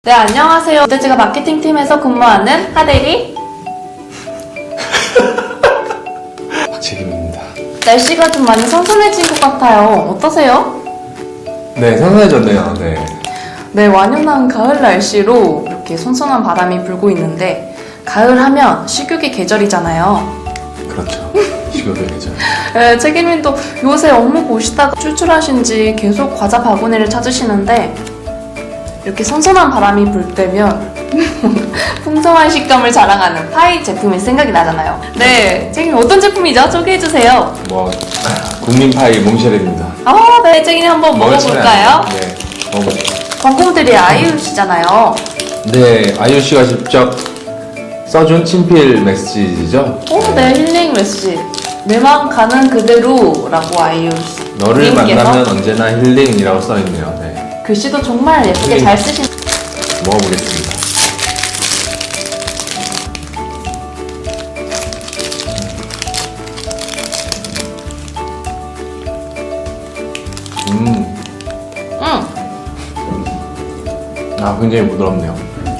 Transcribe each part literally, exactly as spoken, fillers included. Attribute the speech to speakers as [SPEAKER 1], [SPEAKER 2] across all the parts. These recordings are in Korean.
[SPEAKER 1] 네, 안녕하세요. 롯데제가 마케팅팀에서 근무하는 하대리
[SPEAKER 2] 박재김입니다.
[SPEAKER 1] 날씨가 좀 많이 선선해진 것 같아요. 어떠세요?
[SPEAKER 2] 네, 선선해졌네요. 네.
[SPEAKER 1] 네, 완연한 가을 날씨로 이렇게 선선한 바람이 불고 있는데 가을 하면 식욕의 계절이잖아요.
[SPEAKER 2] 그렇죠. 식욕의 계절.
[SPEAKER 1] 네, 책임님도 요새 업무 보시다가 출출하신지 계속 과자 바구니를 찾으시는데 이렇게 선선한 바람이 불 때면 풍성한 식감을 자랑하는 파이 제품이 생각이 나잖아요. 네, 책임님 어떤 제품이죠? 소개해주세요.
[SPEAKER 2] 뭐 국민파이 몽쉘입니다.
[SPEAKER 1] 아, 네, 책임님 한번 먹어볼까요?
[SPEAKER 2] 네, 먹어볼게요.
[SPEAKER 1] 광고모델이 아이유시잖아요.
[SPEAKER 2] 네, 아이유 씨가 직접 써준 친필 메시지죠.
[SPEAKER 1] 오, 네, 힐링 메시지. 내 마음 가는 그대로라고 아이유 씨.
[SPEAKER 2] 너를
[SPEAKER 1] 님께서
[SPEAKER 2] 만나면 언제나 힐링이라고 써있네요. 네.
[SPEAKER 1] 글씨도 정말 예쁘게
[SPEAKER 2] 힐링.
[SPEAKER 1] 잘 쓰신.
[SPEAKER 2] 먹어보겠습니다. 음,
[SPEAKER 1] 응.
[SPEAKER 2] 아 굉장히 부드럽네요.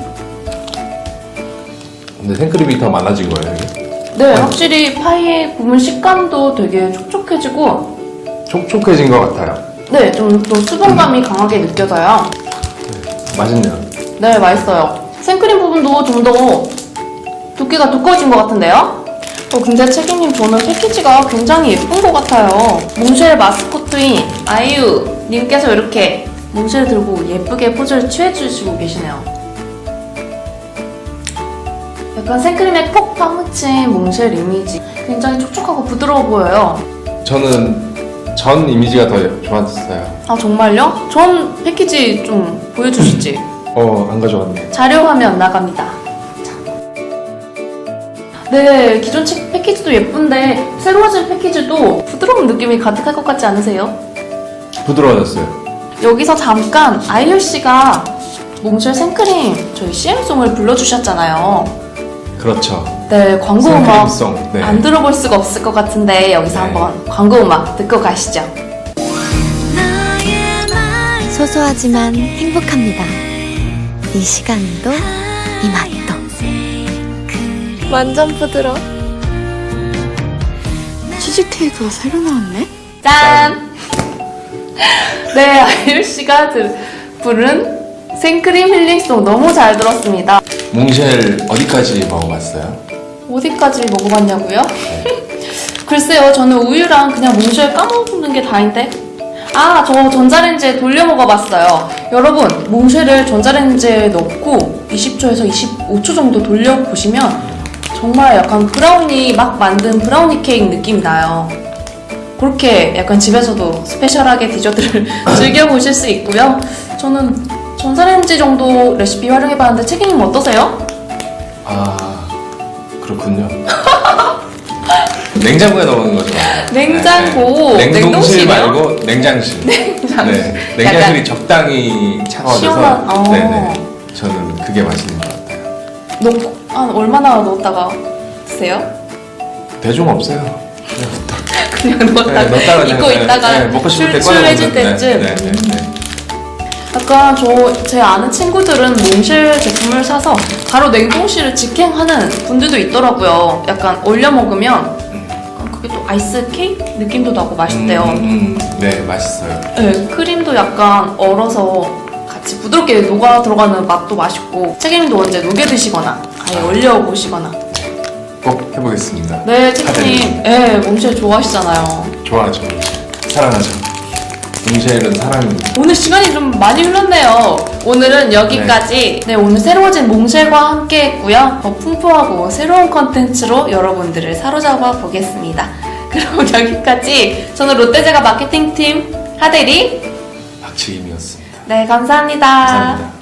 [SPEAKER 2] 근데 생크림이 더 많아진 거예요, 이게?
[SPEAKER 1] 네, 확실히 파이의 부분 식감도 되게 촉촉해지고,
[SPEAKER 2] 촉촉해진 것 같아요.
[SPEAKER 1] 네, 좀 또 수분감이 강하게 느껴져요.
[SPEAKER 2] 맛있네요.
[SPEAKER 1] 네, 맛있어요. 생크림 부분도 좀 더 두께가 두꺼워진 것 같은데요? 어, 근데 책임님 저는 패키지가 굉장히 예쁜 것 같아요. 몽쉘 마스코트인 아이유 님께서 이렇게 몽쉘 들고 예쁘게 포즈를 취해주시고 계시네요. 약간 생크림에 폭 파묻힌 몽쉘 이미지. 굉장히 촉촉하고 부드러워 보여요.
[SPEAKER 2] 저는 전 이미지가 더 좋았어요.
[SPEAKER 1] 아, 정말요? 전 패키지 좀 보여주시지.
[SPEAKER 2] 어, 안 가져왔네.
[SPEAKER 1] 자료 화면 나갑니다. 자. 네, 기존 책 패키지도 예쁜데 새로워진 패키지도 부드러운 느낌이 가득할 것 같지 않으세요?
[SPEAKER 2] 부드러워졌어요.
[SPEAKER 1] 여기서 잠깐 아이유 씨가 몽쉘 생크림 저희 씨엠송을 불러주셨잖아요.
[SPEAKER 2] 그렇죠.
[SPEAKER 1] 네, 광고 음악
[SPEAKER 2] 생크림송. 네.
[SPEAKER 1] 안 들어볼 수가 없을 것 같은데 여기서
[SPEAKER 2] 네.
[SPEAKER 1] 한번 광고 음악 듣고 가시죠.
[SPEAKER 3] 소소하지만 행복합니다. 이 시간도 이 맛도 완전 부드러. 치즈케이크가 새로 나왔네?
[SPEAKER 1] 짠! 네, 아이유 씨가 들, 부른 생크림 힐링송 너무 잘 들었습니다.
[SPEAKER 2] 몽쉘 어디까지 먹어봤어요?
[SPEAKER 1] 어디까지 먹어봤냐고요? 글쎄요, 저는 우유랑 그냥 몽쉘 까먹는 게 다인데. 아, 저 전자레인지에 돌려 먹어봤어요. 여러분, 몽쉘을 전자레인지에 넣고 이십 초에서 이십오 초 정도 돌려보시면 정말 약간 브라우니 막 만든 브라우니 케이크 느낌이 나요. 그렇게 약간 집에서도 스페셜하게 디저트를 즐겨보실 수 있고요. 저는 전자레인지 정도 레시피 활용해봤는데 책임님 어떠세요?
[SPEAKER 2] 아, 그렇군요. 냉장고에 넣는 거죠.
[SPEAKER 1] 냉장고,
[SPEAKER 2] 네, 네. 냉동실
[SPEAKER 1] 냉동실이요?
[SPEAKER 2] 말고 냉장실.
[SPEAKER 1] 냉장실.
[SPEAKER 2] 네, 냉장실이 적당히 차가워져서.
[SPEAKER 1] 시원한, 어.
[SPEAKER 2] 네네. 저는 그게 맛있는 것 같아요.
[SPEAKER 1] 넣고, 한 얼마나 넣었다가 드세요?
[SPEAKER 2] 대중 없어요. 그냥
[SPEAKER 1] 그냥 넣었다가,
[SPEAKER 2] 네, 넣었다가
[SPEAKER 1] 잊고
[SPEAKER 2] 그냥,
[SPEAKER 1] 있다가
[SPEAKER 2] 네, 먹고 싶을 때
[SPEAKER 1] 출출해질
[SPEAKER 2] 꺼내
[SPEAKER 1] 때쯤.
[SPEAKER 2] 먹는, 네, 네, 네, 네.
[SPEAKER 1] 약간 저 제 아는 친구들은 몽쉘 제품을 사서 바로 냉동실을 직행하는 분들도 있더라고요. 약간 얼려 먹으면 그게 또 아이스 케이크 느낌도 나고 맛있대요.
[SPEAKER 2] 음, 음, 네, 맛있어요.
[SPEAKER 1] 네, 크림도 약간 얼어서 같이 부드럽게 녹아 들어가는 맛도 맛있고 책임도 언제 녹여 드시거나 아예 얼려 보시거나.
[SPEAKER 2] 꼭 해보겠습니다.
[SPEAKER 1] 네, 책임님, 네, 몽쉘 좋아하시잖아요.
[SPEAKER 2] 좋아하죠. 사랑하죠. 몽쉘은 사랑입니다.
[SPEAKER 1] 오늘 시간이 좀 많이 흘렀네요. 오늘은 여기까지. 네, 오늘 새로워진 몽쉘과 함께 했고요. 더 풍부하고 새로운 컨텐츠로 여러분들을 사로잡아 보겠습니다. 그럼 여기까지. 저는 롯데제가 마케팅팀 하대리.
[SPEAKER 2] 박치김이었습니다.
[SPEAKER 1] 네, 감사합니다.
[SPEAKER 2] 감사합니다.